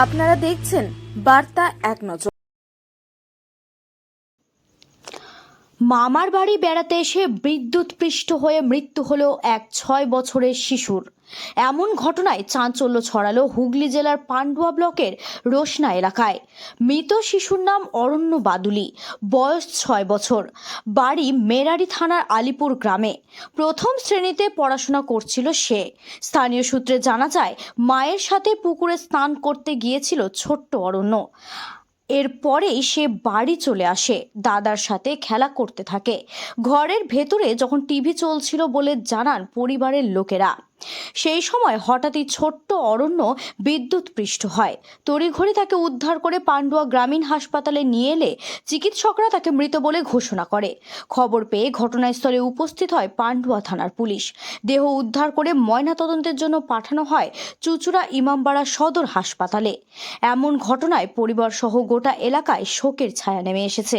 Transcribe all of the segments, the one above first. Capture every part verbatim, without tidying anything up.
আপনারা দেখছেন বার্তা এক নজর। মামার বাড়ি বেড়াতে এসে বিদ্যুৎপৃষ্ট হয়ে মৃত্যু হলো এক ছয় বছরের শিশুর। এমন ঘটনায় চাঞ্চল্য ছড়ালো হুগলি জেলার পান্ডুয়া ব্লকের রোশনা এলাকায়। মৃত শিশুর নাম অরণ্য বাদুলি, বয়স ছয় বছর, বাড়ি মেরারি থানার আলিপুর গ্রামে। প্রথম শ্রেণীতে পড়াশোনা করছিল সে। স্থানীয় সূত্রে জানা যায়, মায়ের সাথে পুকুরে স্নান করতে গিয়েছিল ছোট্ট অরণ্য। এরপরেই সে বাড়ি চলে আসে, দাদার সাথে খেলা করতে থাকে। ঘরের ভেতরে যখন টিভি চলছিল বলে জানান পরিবারের লোকেরা। সেই সময় হঠাৎই ছোট্ট অরণ্য বিদ্যুৎপৃষ্ট হয়। তড়িঘড়ি তাকে উদ্ধার করে পান্ডুয়া গ্রামীণ হাসপাতালে নিয়ে এলে চিকিৎসকরা তাকে মৃত বলে ঘোষণা করে। খবর পেয়ে ঘটনাস্থলে উপস্থিত হয় পান্ডুয়া থানার পুলিশ। দেহ উদ্ধার করে ময়নাতদন্তের জন্য পাঠানো হয় চুঁচুড়া ইমামবাড়া সদর হাসপাতালে। এমন ঘটনায় পরিবার সহ গোটা এলাকায় শোকের ছায়া নেমে এসেছে।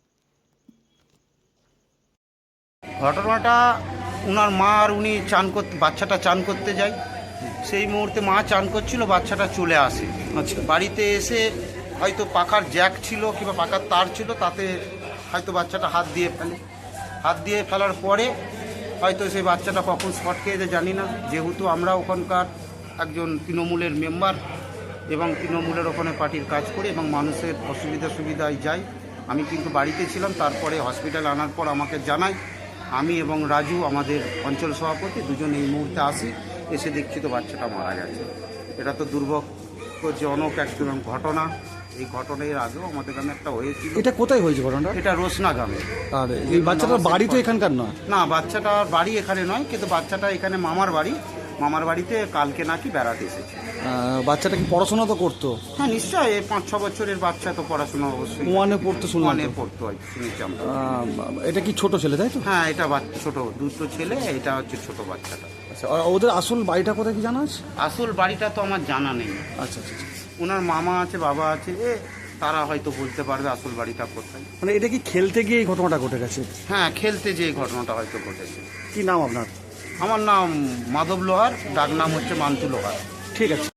ঘটনাটা ওনার মা আর উনি চান করতে বাচ্চাটা চান করতে যায়। সেই মুহূর্তে মা চান করছিল, বাচ্চাটা চলে আসে। আচ্ছা, বাড়িতে এসে হয়তো পাখার জ্যাক ছিল কিংবা পাখার তার ছিল, তাতে হয়তো বাচ্চাটা হাত দিয়ে ফেলে। হাত দিয়ে ফেলার পরে হয়তো সেই বাচ্চাটা কখন শর্ট খেয়ে যায় জানি না। যেহেতু আমরা ওখানকার একজন তৃণমূলের মেম্বার এবং তৃণমূলের ওখানে পার্টির কাজ করি এবং মানুষের অসুবিধা সুবিধায় যাই, আমি কিন্তু বাড়িতে ছিলাম। তারপরে হসপিটালে আনার পর আমাকে জানায়, আমি এবং রাজু আমাদের অঞ্চল সভাপতি দুজন এই মুহূর্তে আসি, এসে দেখছি তো বাচ্চাটা মারা গেছে। এটা তো দুর্ভাগ্যজনক একদম ঘটনা। এই ঘটনার আগেও আমাদের গ্রামে একটা হয়েছিল। এটা কোথায় হয়েছে ঘটনাটা? এটা রোশনা গ্রামে। আর এই বাচ্চাটার বাড়ি তো এখানকার নয়? না, বাচ্চাটার বাড়ি এখানে নয়, কিন্তু বাচ্চাটা এখানে মামার বাড়ি। মামার বাড়িতে কালকে নাকি বেড়াতে এসেছে। বাচ্চাটা কি পড়াশোনা তো করতো? হ্যাঁ নিশ্চয়ই, এই পাঁচ ছ বছরের বাচ্চা তো পড়াশোনা অবশ্যই ওয়ানে পড়তো, শুনলাম। ওয়ানে পড়তো হয় শুনেছি আমরা। এটা কি ছোট ছেলে তাই তো? হ্যাঁ, এটা বাচ্চা ছোট, দুটো ছেলে, এটা হচ্ছে ছোট বাচ্চাটা। আচ্ছা, আর ওদের আসল বাড়িটা কোথায় কি জানা আছে? আসল বাড়িটা তো আমার জানা নেই। আচ্ছা আচ্ছা, ওনার মামা আছে, বাবা আছে, এ তারা হয়তো বলতে পারবে আসল বাড়িটা কোথায়। মানে এটা কি খেলতে গিয়ে এই ঘটনাটা ঘটে গেছে? হ্যাঁ, খেলতে যে ঘটনাটা হয়তো ঘটেছে। কি নাম আপনার? আমার নাম মাধব লোহার, ডাক নাম হচ্ছে মান্তু লোহার। ঠিক আছে।